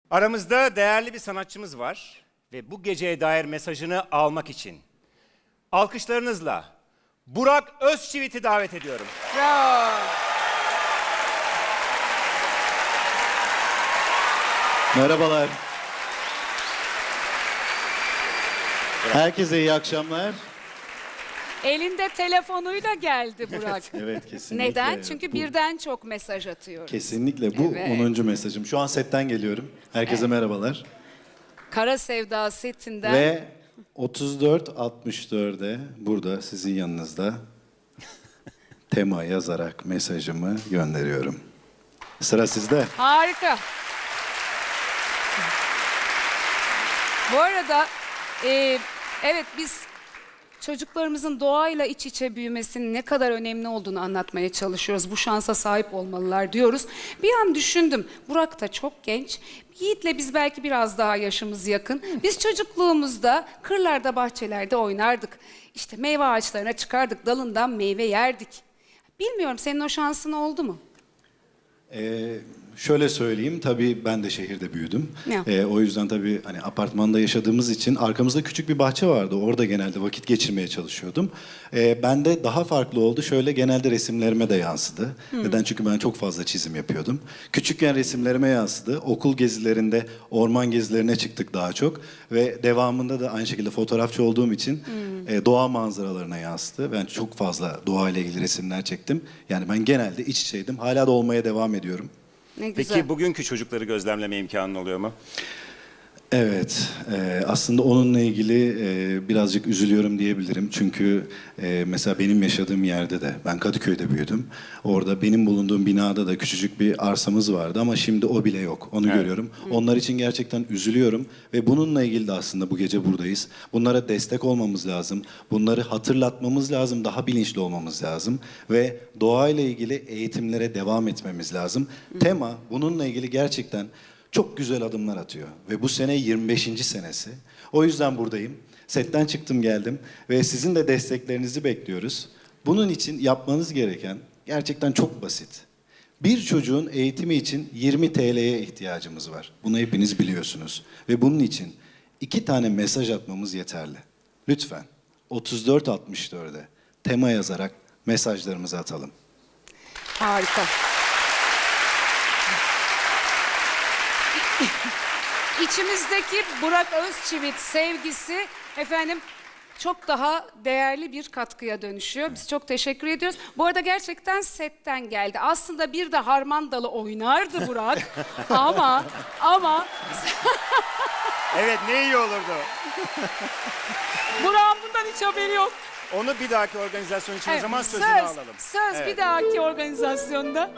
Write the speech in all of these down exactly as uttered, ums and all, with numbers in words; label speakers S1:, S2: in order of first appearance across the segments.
S1: Aramızda değerli bir sanatçımız var ve bu geceye dair mesajını almak için alkışlarınızla Burak Özçivit'i davet ediyorum.
S2: Bravo.
S3: Merhabalar. Herkese iyi akşamlar.
S2: Elinde telefonuyla geldi Burak.
S3: Evet, kesinlikle.
S2: Neden? Çünkü
S3: Bu-
S2: birden çok mesaj atıyoruz.
S3: Kesinlikle bu
S2: Evet.
S3: onuncu mesajım. Şu an setten geliyorum. Herkese merhabalar.
S2: Kara Sevda setinden.
S3: Ve otuz dört altmış dörde burada sizin yanınızda tema yazarak mesajımı gönderiyorum. Sıra sizde.
S2: Harika. Bu arada e, evet biz çocuklarımızın doğayla iç içe büyümesinin ne kadar önemli olduğunu anlatmaya çalışıyoruz. Bu şansa sahip olmalılar diyoruz. Bir an düşündüm. Burak da çok genç. Yiğit'le biz belki biraz daha yaşımız yakın. Biz çocukluğumuzda kırlarda, bahçelerde oynardık. İşte meyve ağaçlarına çıkardık, dalından meyve yerdik. Bilmiyorum, senin o şansın oldu mu?
S3: Ee, şöyle söyleyeyim, tabii ben de şehirde büyüdüm.
S2: Ya.
S3: Ee, o yüzden tabii hani apartmanda yaşadığımız için arkamızda küçük bir bahçe vardı. Orada genelde vakit geçirmeye çalışıyordum. Ee, bende daha farklı oldu. Şöyle genelde resimlerime de yansıdı. Neden? Çünkü ben çok fazla çizim yapıyordum. Küçükken resimlerime yansıdı. Okul gezilerinde, orman gezilerine çıktık daha çok. Ve devamında da aynı şekilde fotoğrafçı olduğum için e, doğa manzaralarına yansıdı. Ben çok fazla doğayla ilgili resimler çektim. Yani ben genelde iç içeydim. Hala da olmaya devam ediyorum.
S2: Ne güzel.
S1: Peki bugünkü çocukları gözlemleme imkanın oluyor mu?
S3: Evet, e, aslında onunla ilgili e, birazcık üzülüyorum diyebilirim. Çünkü e, mesela benim yaşadığım yerde de, ben Kadıköy'de büyüdüm. Orada benim bulunduğum binada da küçücük bir arsamız vardı ama şimdi o bile yok. Onu
S1: Evet.
S3: görüyorum. Onlar için gerçekten üzülüyorum ve bununla ilgili de aslında bu gece buradayız. Bunlara destek olmamız lazım. Bunları hatırlatmamız lazım, daha bilinçli olmamız lazım ve doğayla ilgili eğitimlere devam etmemiz lazım. Tema bununla ilgili gerçekten çok güzel adımlar atıyor ve bu sene yirmi beşinci senesi. O yüzden buradayım. Setten çıktım geldim ve sizin de desteklerinizi bekliyoruz. Bunun için yapmanız gereken gerçekten çok basit. Bir çocuğun eğitimi için yirmi T L'ye ihtiyacımız var. Bunu hepiniz biliyorsunuz. Ve bunun için iki tane mesaj atmamız yeterli. Lütfen otuz dört altmış dörde tema yazarak mesajlarımızı atalım.
S2: Harika. İçimizdeki Burak Özçivit sevgisi efendim çok daha değerli bir katkıya dönüşüyor. Biz çok teşekkür ediyoruz. Bu arada gerçekten setten geldi. Aslında bir de harman dalı oynardı Burak. ama ama
S1: Evet, ne iyi olurdu.
S2: Burak'ın bundan hiç haberi yok.
S1: Onu bir dahaki organizasyon için o zaman sözünü
S2: söz,
S1: alalım.
S2: Söz
S1: Evet.
S2: bir dahaki organizasyonda.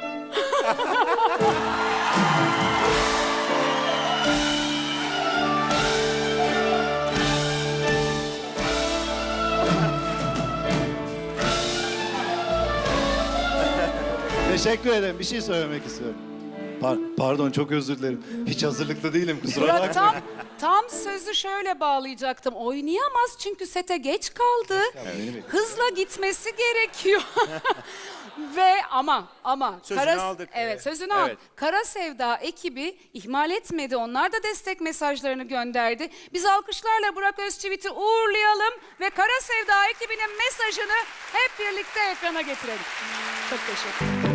S3: Teşekkür ederim. Bir şey söylemek istiyorum. Par- pardon, çok özür dilerim. Hiç hazırlıklı değilim, kusura
S2: Burak
S3: bakmayın.
S2: tam, tam sözü şöyle bağlayacaktım. Oynayamaz çünkü sete geç kaldı. Hızla gitmesi gerekiyor. Ve ama ama
S1: Sözünü aldık.
S2: Evet, sözünü
S1: Evet.
S2: aldık. Kara Sevda ekibi ihmal etmedi. Onlar da destek mesajlarını gönderdi. Biz alkışlarla Burak Özçivit'i uğurlayalım ve Kara Sevda ekibinin mesajını hep birlikte ekrana getirelim. Çok teşekkür ederim.